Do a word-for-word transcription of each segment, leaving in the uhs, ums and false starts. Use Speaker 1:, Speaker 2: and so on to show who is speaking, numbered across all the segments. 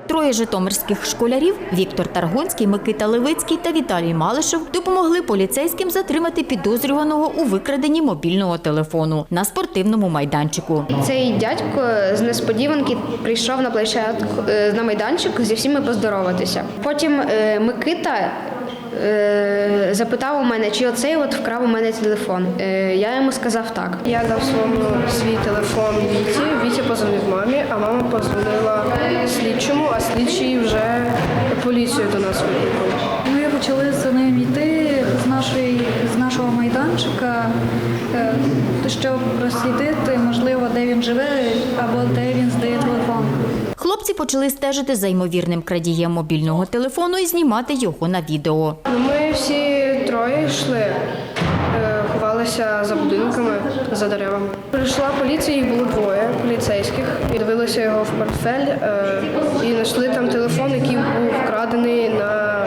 Speaker 1: Троє житомирських школярів – Віктор Таргонський, Микита Левицький та Віталій Малишев – допомогли поліцейським затримати підозрюваного у викраденні мобільного телефону на спортивному майданчику.
Speaker 2: Цей дядько з несподіванки прийшов на площадку, на майданчик зі всіми поздороватися. Потім Микита запитав у мене, чи оцей от вкрав у мене телефон. Я йому сказав так.
Speaker 3: Я дав своєму свій телефон Віті. Вітя позвонив мамі, а мама позвонила слідчому, а слідчий вже поліцію до нас викликав.
Speaker 4: Ми почали за ним йти з, нашої, з нашого майданчика, щоб розслідити, можливо, де він живе або де він здає телефон.
Speaker 1: Хлопці почали стежити за ймовірним крадієм мобільного телефону і знімати його на відео.
Speaker 3: Ми всі троє йшли, ховалися за будинками, за деревами. Прийшла поліція, їх було двоє поліцейських. І дивилися його в портфель і знайшли там телефон, який був вкрадений на,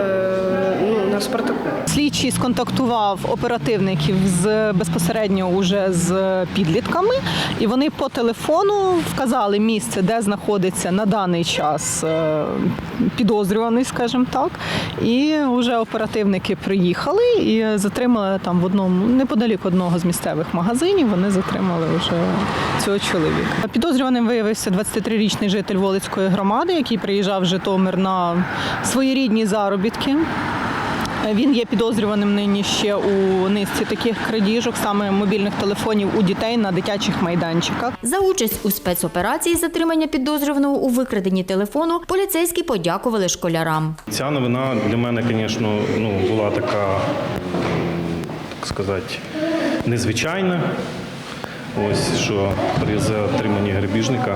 Speaker 3: ну, на Спартаку.
Speaker 5: Слідчий сконтактував оперативників з безпосередньо уже з підлітками, і вони по телефону вказали місце, де знаходиться на даний час підозрюваний, скажімо так. І вже оперативники приїхали і затримали там в одному, неподалік одного з місцевих магазинів, вони затримали вже цього чоловіка. Підозрюваним виявився двадцятитрирічний житель Волицької громади, який приїжджав в Житомир на своєрідні заробітки. Він є підозрюваним нині ще у низці таких крадіжок, саме мобільних телефонів у дітей на дитячих майданчиках.
Speaker 1: За участь у спецоперації затримання підозрюваного у викраденні телефону поліцейські подякували школярам.
Speaker 6: Ця новина для мене, звісно, ну, була така, так сказати, незвичайна. Ось, що при затриманні грабіжника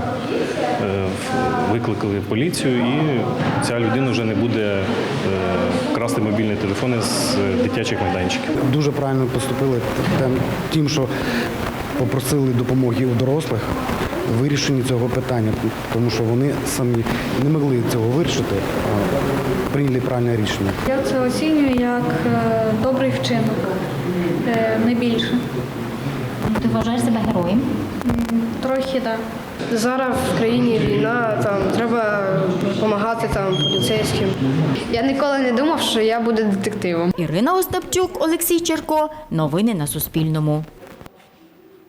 Speaker 6: викликали поліцію, і ця людина вже не буде красти мобільні телефони з дитячих майданчиків.
Speaker 7: Дуже правильно поступили тим, що попросили допомоги у дорослих в вирішенні цього питання, тому що вони самі не могли цього вирішити, а прийняли правильне рішення.
Speaker 4: Я це оцінюю як добрий вчинок, не більше.
Speaker 1: Ти вважаєш себе героєм?
Speaker 4: Трохи, так.
Speaker 3: Зараз в країні війна, там треба допомагати там поліцейським.
Speaker 2: Я ніколи не думав, що я буду детективом.
Speaker 1: Ірина Остапчук, Олексій Черко. Новини на Суспільному.